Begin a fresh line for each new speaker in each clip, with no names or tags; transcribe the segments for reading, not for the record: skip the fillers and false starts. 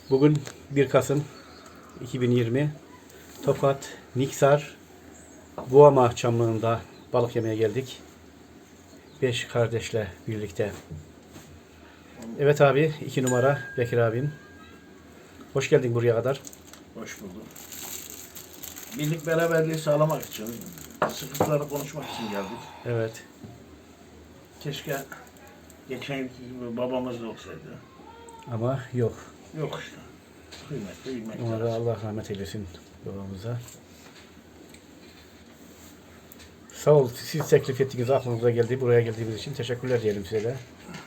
Bugün 1 Kasım 2020 Tokat Niksar Buama Çamlığı'nda balık yemeye geldik. 5 kardeşle birlikte. Evet abi, 2 numara Bekir abim. Hoş geldin buraya kadar.
Hoş bulduk. Birlik beraberliği sağlamak için, sıkıntıları konuşmak için geldik.
Evet.
Keşke geçen yılki gibi babamız da olsaydı.
Ama yok.
Yok işte. Kıymetli bilmek
Ona da
lazım.
Allah rahmet eylesin babamıza. Sağ ol. Siz teklif ettiğiniz aklınıza geldi. Buraya geldiğimiz için teşekkürler diyelim size de.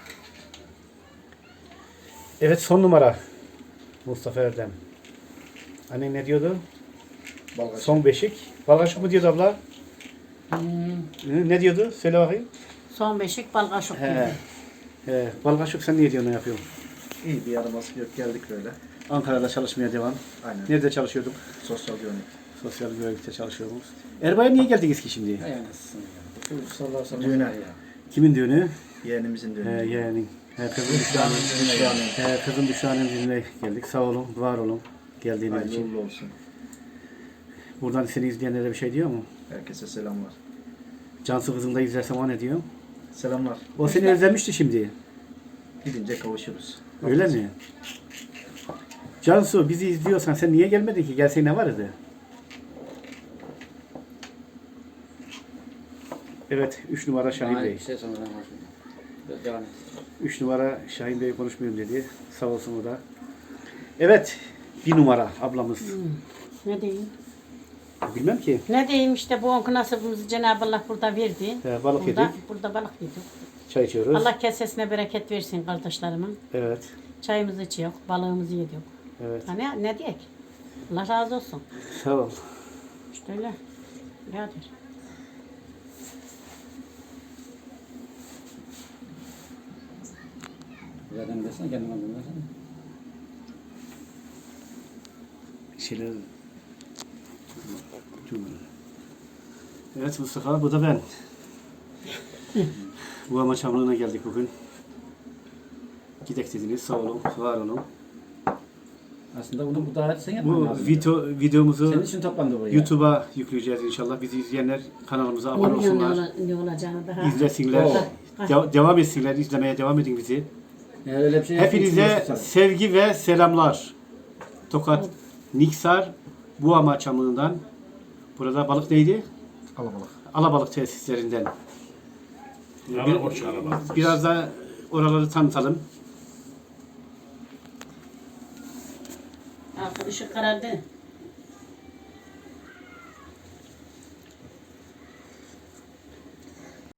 Evet, son numara. Mustafa Erdem. Annen ne diyordu?
Balgaç.
Son beşik. Balgaçık mı diyordu abla? Ne diyordu? Söyle bakayım.
Son beşik balgaşık
He.
gibi.
He. Balgaçık sen niye diyorsun, ne yapıyorsun?
İyi bir yaraması yok, geldik böyle.
Ankara'da çalışmaya devam.
Aynen.
Nerede çalışıyorduk?
Sosyal güvenlik.
Sosyal güvenlikte çalışıyoruz. Erbay'a niye geldiniz ki şimdi?
Düğüne.
Kimin düğünü?
Yeğenimizin düğünü.
Yeğenin. Kızım Büşra'nın. Kızım Büşra'nın düğününe geldik. Sağ olun, var olun geldiğiniz
Hayırlı
için.
uğurlu olsun.
Buradan seni izleyenlere bir şey diyor mu?
Herkese selamlar.
Cansu kızım da izlerse ona ne diyor?
Selamlar.
O seni özlemişti şimdi.
Gidince kavuşuruz.
Öyle mi? Cansu, bizi izliyorsan sen niye gelmedin ki? Gelsen ne vardı? Evet, 3 numara Şahin Bey. 3 numara Şahin Bey konuşmuyorum dedi. Sağ olsun o da. Evet, 1 numara ablamız.
Ne diyeyim?
Bilmem ki.
Ne diyeyim işte bu onku nasibimizi Cenab-ı Allah burada verdi.
Balık
burada,
yedik.
Burada balık yedik.
Çay içiyoruz.
Allah kesesine bereket versin kardeşlerimin.
Evet.
Çayımızı içiyor, balığımızı yedik.
Evet.
Hani ne diyek? Allah razı olsun.
Sağ ol.
İşte öyle. Birader.
Zaten desene kendime bilmezsen.
Şeyler... Evet Mustafa, bu da ben. Bu ama çamlığına geldik bugün. Gidek dediniz, sağ olun, var olun.
Aslında bunu bu davet sen yapman
Bu
lazım.
videomuzu
Senin için toplandı buraya.
YouTube'a yükleyeceğiz inşallah. Bizi izleyenler kanalımıza abone olsunlar.
Ne olacağını daha.
İzlesinler. Devam etsinler, izlemeye devam edin bizi.
Yani öyle bir şey
Hepinize
yapıyorsun.
sevgi ve selamlar. Tokat Niksar Buama Çamlığı'ndan. Burada balık neydi?
Alabalık.
Alabalık tesislerinden.
Alabalık, alabalık.
Biraz da oraları tanıtalım.
Altı ışık karardı.